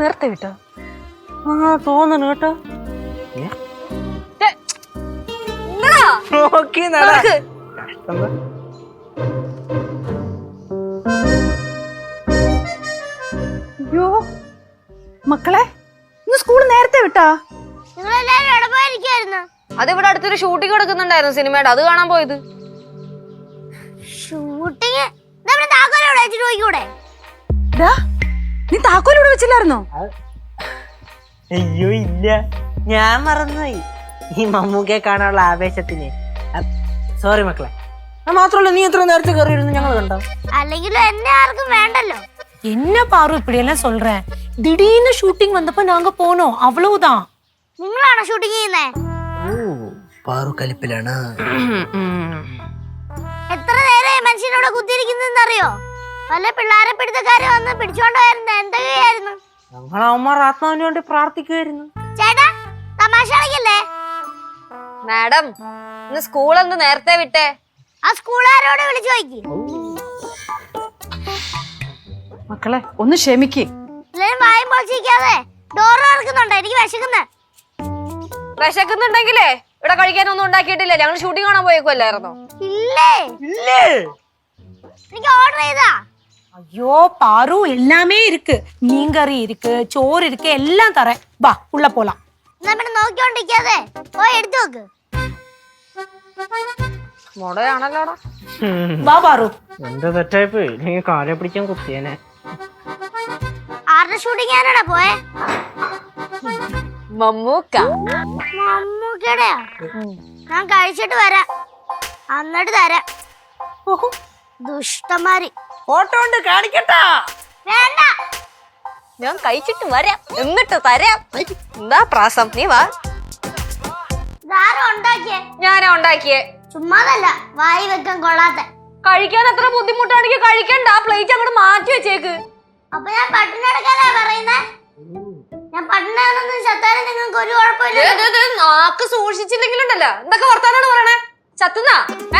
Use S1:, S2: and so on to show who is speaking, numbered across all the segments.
S1: നേരത്തെ വിട്ടോ?
S2: ആ തോന്നണു കേട്ടോ.
S1: അയ്യോ മക്കളെ, ഇന്ന് സ്കൂൾ നേരത്തെ വിട്ടാ?
S3: അതിവിടെ അടുത്തൊരു ഷൂട്ടിംഗ് നടക്കുന്നുണ്ടായിരുന്നു സിനിമയുടെ, അത് കാണാൻ പോയത്.
S4: ഷൂട്ടിംഗ്
S1: നീ താക്കോലിവിടെ വെച്ചില്ലായിരുന്നോ?
S2: അയ്യോ ഇല്ല, ഞാൻ മറന്നുപോയി. ഈ മമ്മൂക്കെ കാണാനുള്ള ആവേശത്തിന്. സോറി മക്കളെ. മാത്രമല്ല, നീ എത്ര നേരത്തെ കയറിയിരുന്നു ഞങ്ങൾ കണ്ടോ?
S4: അല്ലെങ്കിലും എന്നെ ആർക്കും വേണ്ടല്ലോ.
S5: என்ன பாரு இப்படி எல்லாம் சொல்றேன்? திடீர்னு ஷூட்டிங் வந்தப்ப நாங்க போனோம், அவ்வளவுதான்.
S4: നിങ്ങളാണോ ഷൂട്ടിംഗ് ചെയ്യുന്നേ?
S2: പാറു കലിപ്പിലാണ്.
S4: എത്ര നേരം മനുഷ്യനോട് കുത്തിയിരിക്കുന്നറിയോ? പല പിള്ളേരെ പിടുത്തക്കാരെ വന്ന് പിടിച്ചോണ്ടായിരുന്നു. എന്തൊക്കെയായിരുന്നു?
S2: ഞങ്ങൾ അവന്മാർ ആത്മാവിന് വേണ്ടി പ്രാർത്ഥിക്കുമായിരുന്നു.
S4: ചേട്ടാ തമാശ കളിക്കല്ലേ?
S3: മാഡം, ഇന്ന് സ്കൂൾ എന്ത് നേരത്തെ വിട്ടേ?
S4: ആ സ്കൂളുകാരോട് വിളിച്ചു ചോദിക്കും.
S1: മക്കളെ ഒന്ന് ക്ഷമിക്ക്.
S4: എല്ലാരും വായും പൊളിച്ചിരിക്കാതെ ഡോറ് തുറക്കുന്നുണ്ടോ? എനിക്ക് വിശക്കുന്ന്.
S3: വിശക്കുന്നുണ്ടെങ്കിലേ ഇവിടെ കഴിക്കാനൊന്നും ഉണ്ടാക്കിയിട്ടില്ല. ഞങ്ങൾ ഷൂട്ടിംഗ് കാണാൻ പോയേക്കുമല്ലായിരുന്നോ?
S4: ഇല്ലേ
S2: ഇല്ലേ,
S4: എനിക്ക് ഓർഡർ ചെയ്താ.
S5: ஐயோ பாரு, எல்லாமே இருக்கு. மீன்கறி இருக்கு, சோறு இருக்கு, எல்லாம் தரேன். வா உள்ள போலாம்.
S4: എന്നാ പിന്നെ നോക്കിക്കൊണ്ടിരിക്കാതെ പോയി എടുത്തു നോക്ക്.
S3: മുടയാണല്ലോടാ.
S5: வா பாரு.
S2: എന്താ തെറ്റായിപ്പോയി, ഇല്ലെങ്കിൽ കാലെ പിടിക്കാൻ കുത്തിയേനെ.
S4: ആരുടെ ഷൂട്ടിംഗ് ആരാടാ പോയെ?
S3: മമ്മൂക്ക.
S4: മമ്മൂക്കയുടെയാ? ഞാൻ കഴിച്ചിട്ട് വരാം, എന്നിട്ട് തരാം. ദുഷ്ടന്മാര്.
S2: ഫോട്ടോ ഉണ്ട്, കാണിക്കട്ടാ?
S4: വേണ്ട,
S3: ഞാൻ കഴിച്ചിട്ട് വരാം എന്നിട്ട് തരാം. എന്താ പ്രാസം? നീ വാ.
S4: ഇതാരും ഉണ്ടാക്കിയേ?
S3: ഞാനാ ഉണ്ടാക്കിയേ.
S4: ചുമ്മാതല്ല, വായി വെക്കാൻ കൊള്ളാത്ത.
S3: കഴിക്കാൻ അത്ര ബുദ്ധിമുട്ടാണെങ്കിൽ കഴിക്കണ്ട, പ്ലേറ്റ് അങ്ങോട്ട് മാറ്റി വെച്ചേക്ക്.
S4: അപ്പൊ ഞാൻ പട്ടിണി എടുക്കാനാ പറയുന്നേ? ഞാൻ പട്ടിണി ചത്താലും നിങ്ങൾക്ക് ഒരു കുഴപ്പമില്ല.
S3: നാക്ക് സൂക്ഷിച്ചില്ലെങ്കിലുണ്ടല്ലോ. എന്തൊക്കെ വർത്താനാണ് പറയണേ? ചത്തുന്നാ?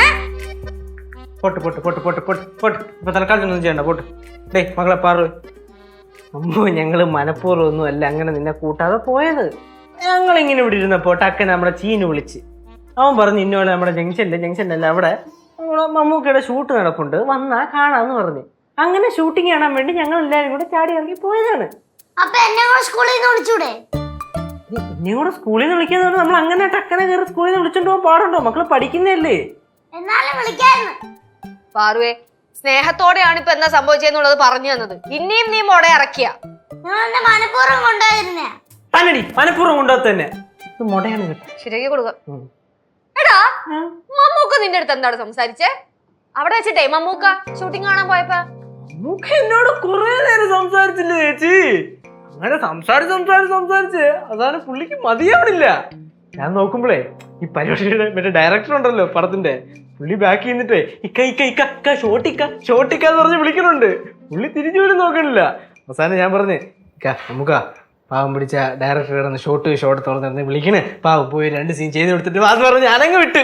S2: പൊട്ട് പൊട്ട് പൊട്ട് പൊട്ട് പൊട്ട് പൊട്ട്. ഇപ്പൊ തൽക്കാലത്തൊന്നും ചെയ്യണ്ട, പൊട്ട്. ഡേ മകളെ പാറു, അമ്മോ ഞങ്ങള് മനഃപൂർവ്വം ഒന്നും അല്ല അങ്ങനെ നിന്നെ കൂട്ടാതെ പോയത്. ഞങ്ങൾ ഇങ്ങനെ ഇവിടെ ഇരുന്നപ്പോ ടക്കൻ നമ്മുടെ ചീന് വിളിച്ച് അവൻ പറഞ്ഞു, ഇന്നോടെ നമ്മുടെ ജംഗ്ഷനിലല്ല അവിടെ മമ്മൂക്കയുടെ ഷൂട്ട് നടപ്പുണ്ട്, വന്നാ കാണാന്ന് പറഞ്ഞു. അങ്ങനെ ഷൂട്ടിംഗ് കാണാൻ വേണ്ടി ഞങ്ങൾ എല്ലാവരും കൂടെ ചാടി ഇറങ്ങി പോയതാണ്.
S4: അപ്പൊ എന്നെ കൂടെ സ്കൂളിൽ നിന്ന് വിളിച്ചൂടെ?
S2: എന്നെ കൂടെ സ്കൂളിൽ നിന്ന് വിളിക്കാന്ന് പറഞ്ഞാൽ നമ്മൾ അങ്ങനെ ടക്കനെ കയറി സ്കൂളിൽ നിന്ന് വിളിച്ചോണ്ട് പോകാൻ പാടുണ്ടോ? മക്കള് പഠിക്കുന്നതല്ലേ.
S4: എന്നാലും വിളിക്കായിരുന്നു.
S3: പാറുവേ, സ്നേഹത്തോടെയാണ് ഇപ്പൊ എന്താ സംഭവിച്ചെന്നുള്ളത് പറഞ്ഞു തന്നത്. ഇനിയും നീ മുട ഇറക്കിയ
S4: നിങ്ങൾ എന്നെ മനഃപൂർവ്വം കൊണ്ടുപോയിരുന്നേ.
S2: തന്നെടി മനഃപൂർവ്വം കൊണ്ടുപോകത്ത് തന്നെ. ഇത് മുടയാണ് കേട്ടോ.
S3: ശരിയാക്കി കൊടുക്ക. എടാ, മമ്മൂക്ക നിന്റെ അടുത്ത് എന്താണ് സംസാരിച്ചേ അവിടെ വെച്ചിട്ടേ? മമ്മൂക്ക ഷൂട്ടിംഗ് കാണാൻ പോയപ്പോ
S2: മമ്മൂക്ക എന്നോട് കുറെ നേരം സംസാരിച്ചില്ലേ ചേച്ചി? അങ്ങനെ സംസാരിച്ച് അതാണ് പുള്ളിക്ക് മതിയാവണില്ല. ഞാൻ നോക്കുമ്പോഴേ ഈ പരിപാടിയുടെ മറ്റേ ഡയറക്ടർ ഉണ്ടല്ലോ പടത്തിന്റെ, പുള്ളി ബാക്കി നിന്നിട്ടേ ഇക്ക ഷോട്ടിക്കാന്ന് പറഞ്ഞ് വിളിക്കണുണ്ട്. പുള്ളി തിരിഞ്ഞു പോലും നോക്കണില്ല. അവസാനം ഞാൻ പറഞ്ഞേ, നമുക്കാ പാവം പിടിച്ച ഡയറക്ടർ കിടന്ന് ഷോട്ട് തുറന്നിരുന്ന് വിളിക്കണേ, പാവം പോയി 2 സീൻ ചെയ്ത് കൊടുത്തിട്ട് അത് പറഞ്ഞ് ഞാനങ്ങ് വിട്ട്.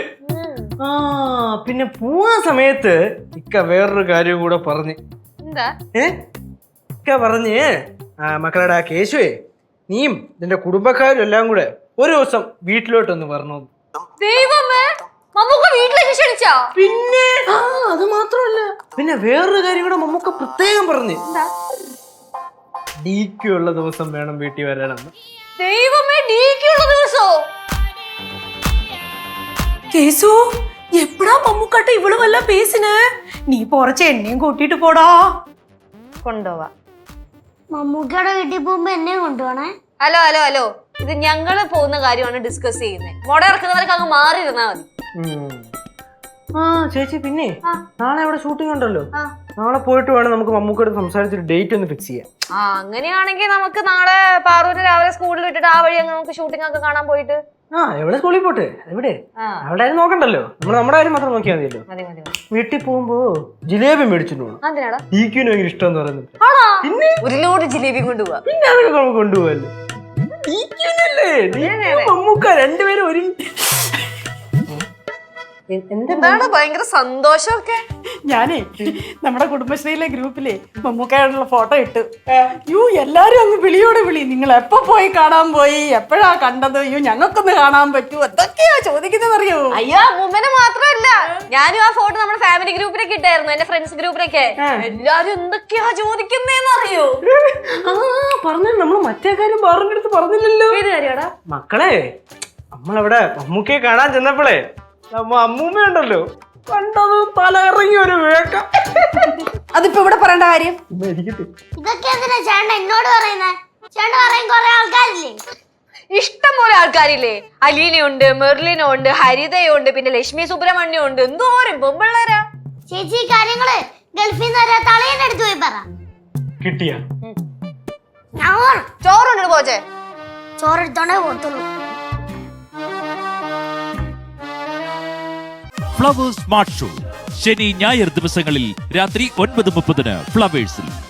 S2: പിന്നെ പോവാ സമയത്ത് ഇക്ക വേറൊരു കാര്യം കൂടെ പറഞ്ഞ്.
S3: എന്താ?
S2: ഇക്ക പറഞ്ഞ്, മക്കളുടെ ആ കേശുവേ, നീയും നിന്റെ കുടുംബക്കാരും എല്ലാം കൂടെ ഒരു ദിവസം വീട്ടിലോട്ടൊന്ന് വരണോ.
S3: ദൈവമേ, മമ്മൂക്ക വീട്ടിലേക്ക് ക്ഷണിച്ചാ?
S2: പിന്നെ അത് മാത്രമല്ല, പിന്നെ വേറൊരു കാര്യം കൂടെ മമ്മൂക്ക പ്രത്യേകം പറഞ്ഞു. ഡിക്യു ഉള്ള ദിവസം വേണം വീട്ടിൽ വരാനെന്ന്.
S3: ദൈവമേ, ഡിക്യു ഉള്ള ദിവസോ?
S5: கேசு, எப்படா மம்முக்காட்ட இவ்வளவு எல்லாம் பேசின? நீ போறச்ச என்னையும் கூட்டிட்டு போடா.
S3: കൊണ്ടുപോവാ.
S4: മമ്മൂക്കയുടെ വീട്ടിൽ പോകുമ്പോ എന്നെ കൊണ്ടുപോണേ.
S3: ഹലോ, ഇത് ഞങ്ങള് പോകുന്ന കാര്യമാണ് ഡിസ്കസ് ചെയ്യുന്നത്. മുട ഇറക്കുന്നവർക്ക് അങ്ങ് മാറി ഇരുന്നാ മതി.
S2: ചേച്ചി, പിന്നെ നാളെ അവിടെ ഷൂട്ടിംഗ് ഉണ്ടല്ലോ. നാളെ പോയിട്ട് വേണം നമുക്ക് മമ്മൂക്കയോട് സംസാരിച്ചൊരു ഡേറ്റ് ഒന്ന് ഫിക്സ് ചെയ്യാം.
S3: അങ്ങനെയാണെങ്കിൽ നമുക്ക് നാളെ പാറൂര് രാവിലെ സ്കൂളിൽ വിട്ടിട്ട് ആ വഴി നമുക്ക് ഷൂട്ടിംഗ് ഒക്കെ കാണാൻ പോയിട്ട്.
S2: എവിടെ സ്കൂളിൽ പോട്ടെ? എവിടെ? അവിടെ ആരും നോക്കണ്ടല്ലോ, നമ്മൾ നമ്മുടെ കാര്യം മാത്രം നോക്കിയാൽ മതിയല്ലോ. വീട്ടിൽ പോകുമ്പോ ജിലേബി മേടിച്ചിട്ട് പോകണം. ഡിക്യുവിന് ഭയങ്കര ഇഷ്ടം എന്ന് പറയുന്നത്. പിന്നെ
S3: ഒരു ലോഡ് ജിലേബി കൊണ്ടുപോവാ.
S2: പിന്നെ അതൊക്കെ നമുക്ക് കൊണ്ടുപോകല്ലോ. മമ്മൂക്ക രണ്ടുപേരും ഒരു
S3: എന്താണ് ഭയങ്കര സന്തോഷമൊക്കെ?
S1: ഞാനേ നമ്മുടെ കുടുംബശ്രീയിലെ ഗ്രൂപ്പിലെ മമ്മൂക്കായോടുള്ള ഫോട്ടോ ഇട്ടു. യു എല്ലാരും അങ്ങ് വിളിയോടെ വിളി, നിങ്ങൾ എപ്പോ പോയി കാണാൻ പോയി, എപ്പോഴാ കണ്ടത്, യു ഞങ്ങൾക്കൊന്ന് കാണാൻ പറ്റൂ, എന്തൊക്കെയാ ചോദിക്കുന്നത് അറിയോ?
S3: അയ്യോ അമ്മൂമ്മനെ മാത്രമല്ല, ഞാനും ആ ഫോട്ടോ നമ്മുടെ ഫാമിലി ഗ്രൂപ്പിലൊക്കെ ഇട്ടായിരുന്നു, എന്റെ ഫ്രണ്ട്സ് ഗ്രൂപ്പിലൊക്കെ. എല്ലാരും എന്തൊക്കെയാ ചോദിക്കുന്നേന്ന് അറിയോ?
S2: പറഞ്ഞു, നമ്മൾ മറ്റേ കാര്യം പറഞ്ഞെടുത്ത് പറഞ്ഞില്ലല്ലോ.
S3: ഏത് കാര്യമാടാ?
S2: മക്കളെ, നമ്മളവിടെ മമ്മൂക്കയെ കാണാൻ ചെന്നപ്പോഴേ അമ്മൂമ്മ ഉണ്ടല്ലോ, കണ്ടത് തല ഇറങ്ങി ഒരു വേക്കം.
S1: അതിപ്പോ ഇവിടെ പറയേണ്ട കാര്യം?
S4: ഇതൊക്കെ എന്തിനാ ചേട്ടൻ എന്നോട് പറയുന്നേ? ചേട്ടൻ പറയും കൊറേ ആൾക്കാരില്ലേ?
S3: ഇഷ്ടം പോലെ ആൾക്കാരില്ലേ? അലീനയുണ്ട്, മെർലിനുണ്ട്, ഹരിതയുണ്ട്, പിന്നെ ലക്ഷ്മി സുബ്രഹ്മണ്യം ഉണ്ട്, എന്തോരം പൊമ്പിള്ളേരാ.
S4: ചേച്ചി ഈ കാര്യങ്ങള് ഗൾഫിൽ നിന്ന് വരെ തളയന്റെ അടുത്ത് പോയി പറ.
S2: കിട്ടിയ
S3: ചോറുണ്ട് പോച്ചേ,
S4: ചോറെടുത്തോണ്ടേ പോത്തുള്ളൂ.
S6: ഫ്ലവേഴ്സ് സ്മാർട്ട് ഷോ ശനി ഞായർ ദിവസങ്ങളിൽ രാത്രി 9:30 ഫ്ലവേഴ്സിൽ.